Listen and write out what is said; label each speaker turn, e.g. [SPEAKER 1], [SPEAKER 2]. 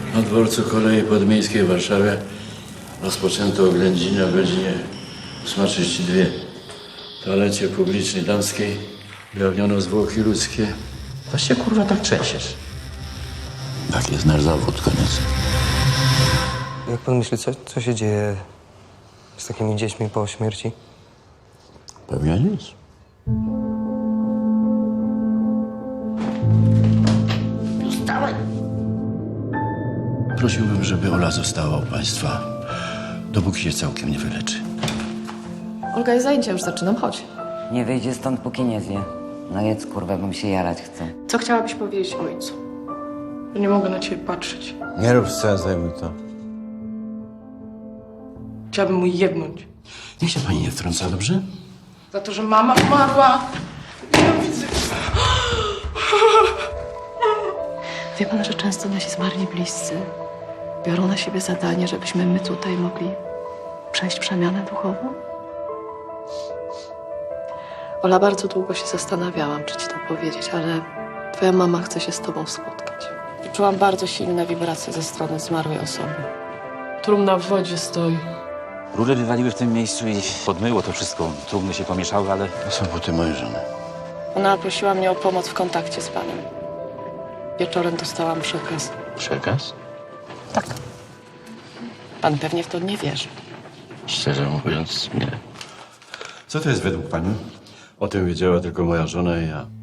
[SPEAKER 1] Na dworcu kolei podmiejskiej w Warszawie rozpoczęto oględziny o godzinie 8:32. W toalecie publicznej damskiej ujawniono zwłoki ludzkie.
[SPEAKER 2] To się kurwa tak trzęsiesz.
[SPEAKER 1] Tak jest nasz zawód, koniec.
[SPEAKER 3] Jak pan myśli, co się dzieje z takimi dziećmi po śmierci?
[SPEAKER 1] Pewnie nic. Prosiłbym, żeby Ola została u państwa, dopóki się całkiem nie wyleczy.
[SPEAKER 4] Olga, jest zajęcia, już zaczynam, chodź.
[SPEAKER 5] Nie wyjdzie stąd, póki nie zje. No jedz, kurwa, bym się jarać chce.
[SPEAKER 6] Co chciałabyś powiedzieć ojcu? Że nie mogę na ciebie patrzeć.
[SPEAKER 2] Nie rób scen, zajmuj to.
[SPEAKER 6] Chciałabym mu jebnąć.
[SPEAKER 1] Niech się pani nie wtrąca, dobrze?
[SPEAKER 6] Za to, że mama umarła. Nienawidzę.
[SPEAKER 4] Wie pan, że często nasi zmarli bliscy biorą na siebie zadanie, żebyśmy my tutaj mogli przejść przemianę duchową? Ola, bardzo długo się zastanawiałam, czy ci to powiedzieć, ale twoja mama chce się z tobą spotkać. Czułam bardzo silne wibracje ze strony zmarłej osoby.
[SPEAKER 6] Trumna w wodzie stoi.
[SPEAKER 7] Rury wywaliły w tym miejscu i podmyło to wszystko. Trumny się pomieszały, ale
[SPEAKER 1] To są buty mojej żony.
[SPEAKER 4] Ona prosiła mnie o pomoc w kontakcie z panem. Wieczorem dostałam przekaz.
[SPEAKER 1] Przekaz?
[SPEAKER 4] Tak. Pan pewnie w to nie wierzy.
[SPEAKER 1] Szczerze mówiąc, nie. Co to jest według pani? O tym wiedziała tylko moja żona i ja.